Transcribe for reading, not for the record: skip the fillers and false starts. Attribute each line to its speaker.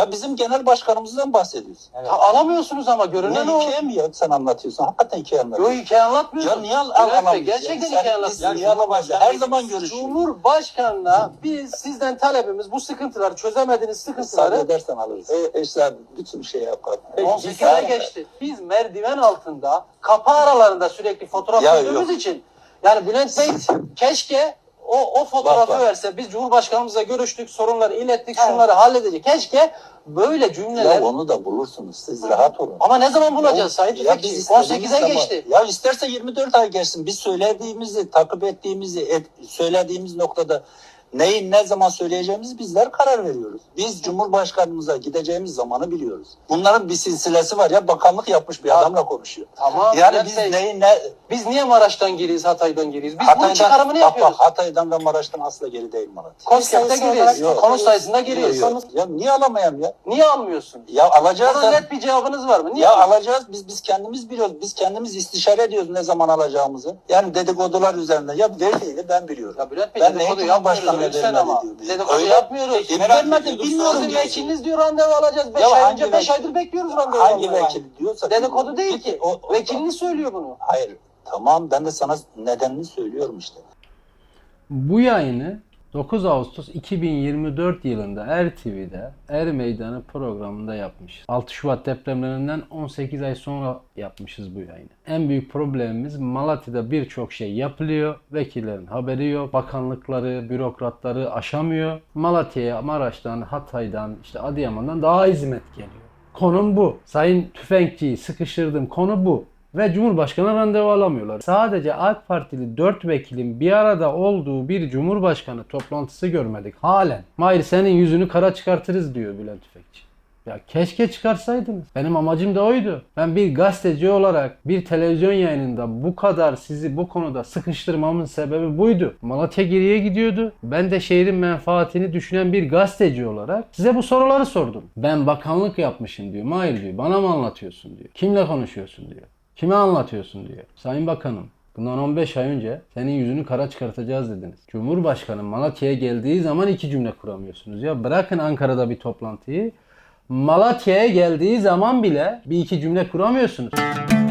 Speaker 1: Ya bizim genel başkanımızdan bahsediyorsun.
Speaker 2: Evet. Alamıyorsunuz ama görünen o.
Speaker 1: Hikaye mi ya sen anlatıyorsun? Hakikaten hikaye anlatıyorsun.
Speaker 2: Yok hikaye anlatmıyorsun.
Speaker 1: Ya niye
Speaker 2: Bülent Bey, gerçekten hikaye
Speaker 1: anlatıyorsun?
Speaker 2: anlatmıyorsun.
Speaker 1: Her zaman görüşüyoruz.
Speaker 2: Cumhurbaşkanına biz sizden talebimiz bu sıkıntıları, çözemediğiniz sıkıntıları
Speaker 1: Müsaade edersen alırız. Eşler bütün şey yapar.
Speaker 2: 18'e geçti. Biz merdiven altında, kapı aralarında sürekli fotoğraf
Speaker 1: Ya
Speaker 2: gördüğümüz için yani Bülent Bey keşke o fotoğrafı
Speaker 1: Bak.
Speaker 2: verse. Biz Cumhurbaşkanımızla görüştük, sorunları ilettik, şunları halledecek. Keşke böyle cümleler...
Speaker 1: Ya onu da bulursunuz. Siz rahat olun.
Speaker 2: Ama ne zaman bulacağız Sayın
Speaker 1: Ya
Speaker 2: Tüfekçi?
Speaker 1: biz
Speaker 2: 18'e geçti.
Speaker 1: Ya isterse 24 ay geçsin. Biz söylediğimizi, takip ettiğimizi, söylediğimiz noktada neyi ne zaman söyleyeceğimizi bizler karar veriyoruz. Biz Cumhurbaşkanımıza gideceğimiz zamanı biliyoruz. Bunların bir silsilesi var ya, bakanlık yapmış bir adamla konuşuyor.
Speaker 2: Tamam.
Speaker 1: Yani biz
Speaker 2: Biz niye Maraş'tan giriyiz, Hatay'dan giriyiz? Biz bunun
Speaker 1: Hatay'dan,
Speaker 2: çıkarımını yapıyoruz.
Speaker 1: Hatay'dan ve Maraş'tan asla geri değil Malatya.
Speaker 2: Konskept'te giriyoruz.
Speaker 1: Yok.
Speaker 2: Konu sayısında giriyoruz.
Speaker 1: Ya niye alamayayım ya?
Speaker 2: Niye almıyorsun?
Speaker 1: Ya alacağız
Speaker 2: Buna
Speaker 1: da.
Speaker 2: net bir cevabınız var mı? Niye
Speaker 1: Ya alacağız, biz kendimiz biliyoruz. Biz kendimiz istişare ediyoruz ne zaman alacağımızı. Yani dedikodular üzerinden. Ya verdiğini ben biliyorum.
Speaker 2: Ya Bülent Bey,
Speaker 1: Ben
Speaker 2: dedikodu
Speaker 1: neyi
Speaker 2: yapmıyoruz
Speaker 1: Cumhurbaşkanı'na
Speaker 2: lütfen
Speaker 1: vermedi
Speaker 2: ama.
Speaker 1: diyor.
Speaker 2: Dedikodu
Speaker 1: Öyle
Speaker 2: yapmıyoruz.
Speaker 1: vermedi, bilmiyorum
Speaker 2: Sizin
Speaker 1: diyor.
Speaker 2: vekiliniz diyor randevu alacağız. 5
Speaker 1: Ya
Speaker 2: ay
Speaker 1: hangi
Speaker 2: önce 5
Speaker 1: vekil?
Speaker 2: aydır bekliyoruz randevu
Speaker 1: Hangi
Speaker 2: almaya.
Speaker 1: vekil diyorsa.
Speaker 2: Dedikodu değil ki.
Speaker 1: O
Speaker 2: Vekiliniz söylüyor bunu.
Speaker 1: Hayır. Tamam, ben de sana nedenini söylüyorum işte.
Speaker 3: Bu yayını 9 Ağustos 2024 yılında ERTV'de Er Meydanı programında yapmışız. 6 Şubat depremlerinden 18 ay sonra yapmışız bu yayını. En büyük problemimiz Malatya'da birçok şey yapılıyor. Vekillerin haberi yok. Bakanlıkları, bürokratları aşamıyor. Malatya'ya Maraş'tan, Hatay'dan, işte Adıyaman'dan daha hizmet geliyor. Konum bu. Sayın Tüfekçi'yi sıkıştırdım. Konu bu. Ve Cumhurbaşkanı randevu alamıyorlar. Sadece AK Partili 4 vekilin bir arada olduğu bir Cumhurbaşkanı toplantısı görmedik halen. Mahir senin yüzünü kara çıkartırız diyor Bülent Tüfekçi. Ya keşke çıkarsaydınız. Benim amacım da oydu. Ben bir gazeteci olarak bir televizyon yayınında bu kadar sizi bu konuda sıkıştırmamın sebebi buydu. Malatya geriye gidiyordu. Ben de şehrin menfaatini düşünen bir gazeteci olarak size bu soruları sordum. Ben bakanlık yapmışım diyor. Mahir diyor. Bana mı anlatıyorsun diyor. Kimle konuşuyorsun diyor. Kime anlatıyorsun diyor. Sayın Bakanım, bundan 15 ay önce senin yüzünü kara çıkartacağız dediniz. Cumhurbaşkanı Malatya'ya geldiği zaman 2 cümle kuramıyorsunuz. Ya bırakın Ankara'da bir toplantıyı. Malatya'ya geldiği zaman bile bir 2 cümle kuramıyorsunuz.